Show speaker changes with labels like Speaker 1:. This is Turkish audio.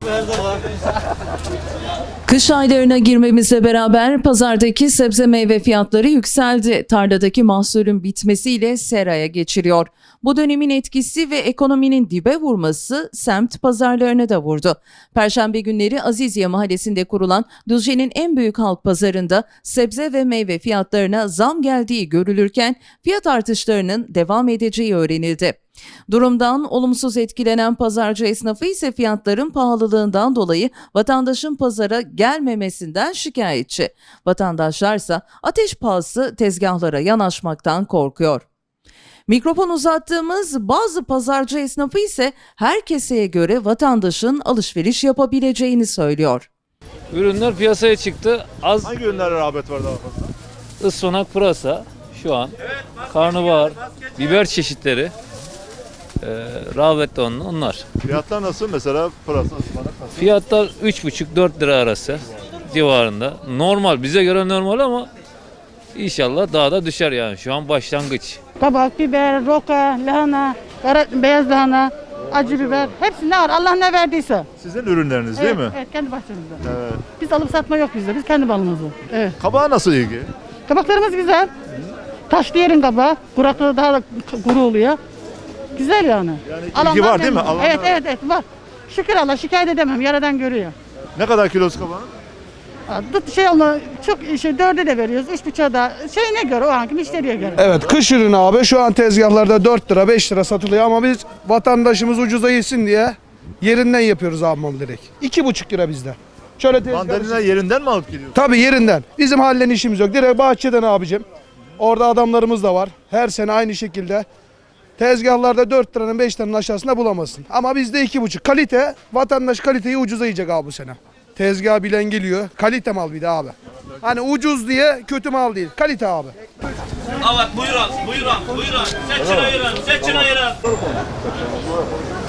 Speaker 1: Kış aylarına girmemizle beraber pazardaki sebze meyve fiyatları yükseldi. Tarladaki mahsulün bitmesiyle seraya geçiriyor. Bu dönemin etkisi ve ekonominin dibe vurması semt pazarlarına da vurdu. Perşembe günleri Aziziye Mahallesi'nde kurulan Düzce'nin en büyük halk pazarında sebze ve meyve fiyatlarına zam geldiği görülürken fiyat artışlarının devam edeceği öğrenildi. Durumdan olumsuz etkilenen pazarcı esnafı ise fiyatların pahalılığından dolayı vatandaşın pazara gelmemesinden şikayetçi. Vatandaşlarsa ateş pahası tezgahlara yanaşmaktan korkuyor. Mikrofon uzattığımız bazı pazarcı esnafı ise her keseye göre vatandaşın alışveriş yapabileceğini söylüyor.
Speaker 2: Ürünler piyasaya çıktı.
Speaker 3: Hangi ürünlere rağbet var daha fazla?
Speaker 2: Ispanak, pırasa şu an. Karnabahar, biber çeşitleri. Rağbetli onlar.
Speaker 3: Fiyatlar nasıl mesela pırasa, ıspanak nasıl?
Speaker 2: Fiyatlar 3,5-4 lira arası civarında. Normal, bize göre normal ama inşallah daha da düşer yani. Şu an başlangıç.
Speaker 4: Kabak, biber, roka, lahana, beyaz lahana, acı biber. Hepsi ne var? Allah ne verdiyse.
Speaker 3: Sizin ürünleriniz değil mi?
Speaker 4: Evet, kendi bahçemizde.
Speaker 3: Evet.
Speaker 4: Biz alıp satma yok bizde. Biz kendi balımızı. Evet.
Speaker 3: Kabağa nasıl ilgi?
Speaker 4: Kabaklarımız güzel. Taşlı yerin kabağı. Kuraklığı daha da kuru oluyor. Güzel yani.
Speaker 3: Yani ilgi var değil mi? Alanlar
Speaker 4: Evet var. Şükür Allah, şikayet edemem. Yaradan görüyor.
Speaker 3: Ne kadar kilosu kabağın?
Speaker 4: Çok dörde de veriyoruz. 3,5'a da şeyine göre, o anki müşteriye göre.
Speaker 5: Evet, kış ürünü abi şu an tezgahlarda 4 lira 5 lira satılıyor ama biz vatandaşımız ucuza yesin diye yerinden yapıyoruz abi malı direkt. 2,5 lira bizde. Şöyle
Speaker 3: Mandalina yerinden mi alıp geliyorsun?
Speaker 5: Tabii yerinden. Bizim hallen işimiz yok. Direkt bahçeden abicim. Orada adamlarımız da var. Her sene aynı şekilde. Tezgahlarda 4 liranın 5 liranın aşağısında bulamazsın. Ama bizde 2,5. Kalite, vatandaş kaliteyi ucuza yiyecek abi bu sene. Tezgah bilen geliyor. Kalite mal bir de abi. Hani ucuz diye kötü mal değil. Kalite abi.
Speaker 6: Evet, buyurun. Seçin ayırın.